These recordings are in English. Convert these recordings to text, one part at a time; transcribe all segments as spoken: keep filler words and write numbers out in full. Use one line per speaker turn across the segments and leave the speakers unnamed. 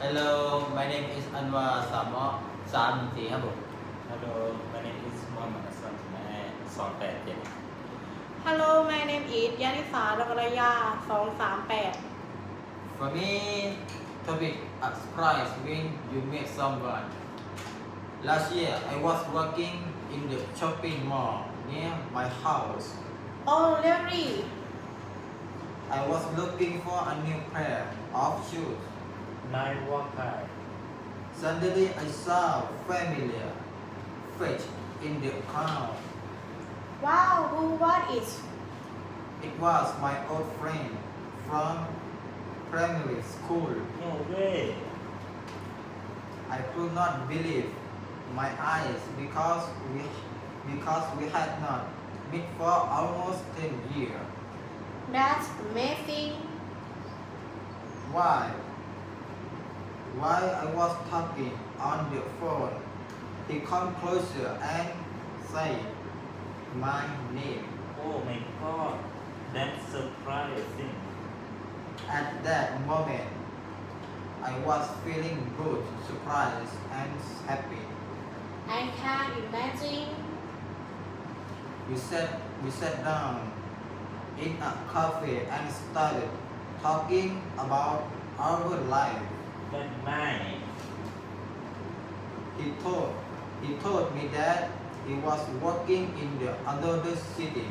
Hello, my name is Anwar Samo สามหนึ่งสี่ครับผม
Hello my name is Mohammed Hassan แม่สองแปดเจ็ด
Hello my name is ยานิสาดกรยาสองสามแปด
For me topic a surprise when you meet someone Last year I was working in the shopping mall near my house
Oh really
I was looking for a new pair of shoes
Nine Walker
Suddenly I saw familiar face in the crowd
Wow who was it
It was my old friend from primary school
No way
I could not believe my eyes because we because we had not met for almost ten years.
That's amazing
Why? While I was talking on the phone, he come closer and say my name.
Oh my god that's surprising
At that moment, I was feeling both surprised and happy.
I can't imagine
We sat we sat down in a cafe and started talking about our life.
That night
He told he told me that he was working in the another city.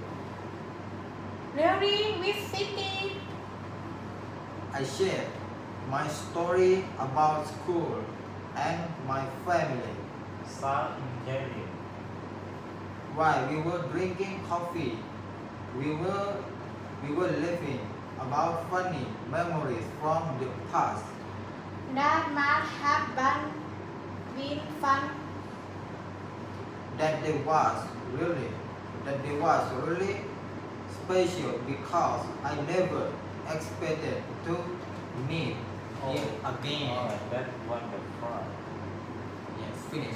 Really which city
I shared my story about school and my family.
sound intelligent
While we were drinking coffee, we were we were laughing about funny memories from the past.
That must have been been fun
That day was really that day was really special because I never expected to meet him again.
Oh that's wonderful
Yes, finish.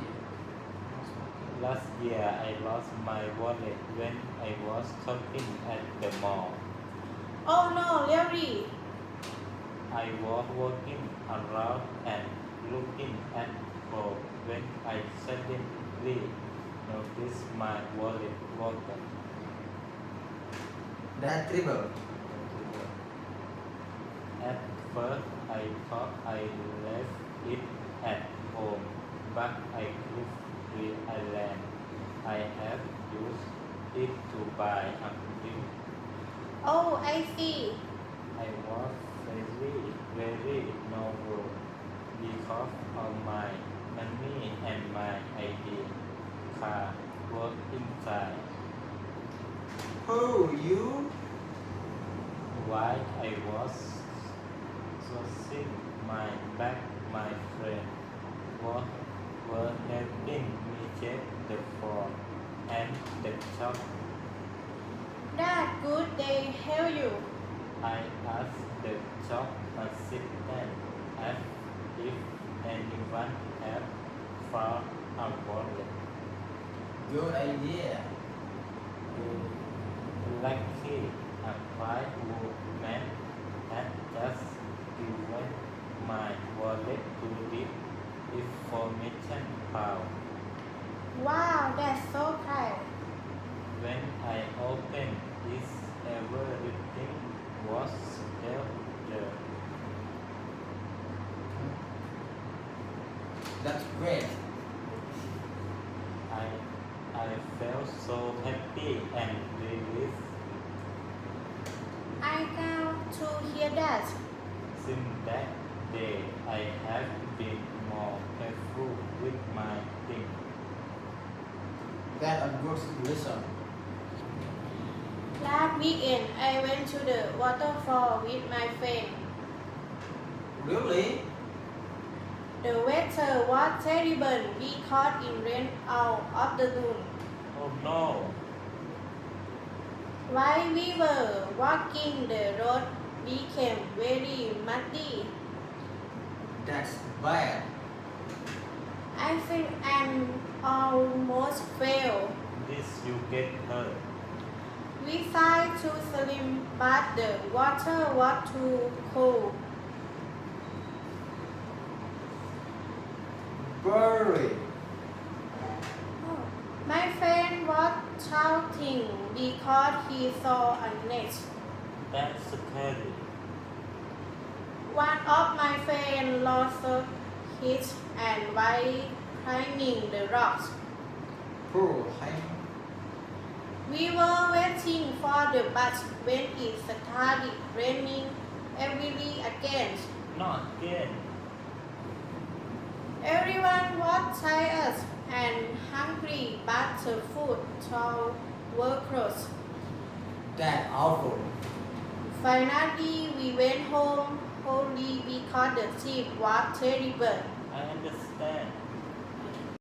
Last year I lost my wallet when I was shopping at the mall
Oh no really
I was walking around and looking at clothes when I suddenly noticed my wallet broken.
That trouble.
At first I thought I left it at home, but I quickly realized I had used it to buy a drink.
Oh I see
I was very, very nervous because of my money and my I D card was inside.
Who you?
While I was searching my bag, my friend was were helping me check the phone and the shop.
That good they help you
I asked the shop assistant asked if anyone had found a wallet.
Good idea.
Lucky, a white woman had just given my wallet to the information found.
Wow that's so kind
When I opened it, everything was still there.
That's great.
I, I felt so happy and relieved.
I got to hear that
Since that day, I have been more careful with my things.
That's a good lesson.
Last weekend, I went to the waterfall with my friend.
Really?
The weather was terrible. We caught in rain all afternoon.
Oh no!
While we were walking, the road became very muddy.
That's bad.
I think I almost fell.
This you get hurt.
We tried to swim, but the water was too cold.
Very.
Oh. My friend was shouting because he saw a net.
That's scary.
One of my friends lost his and while climbing the rocks.
Poor him.
We were waiting for the bus when it started raining heavily again.
Not again.
Everyone was tired and hungry, but the food stalls were closed.
That's awful.
Finally, we went home only because the trip was terrible.
I understand.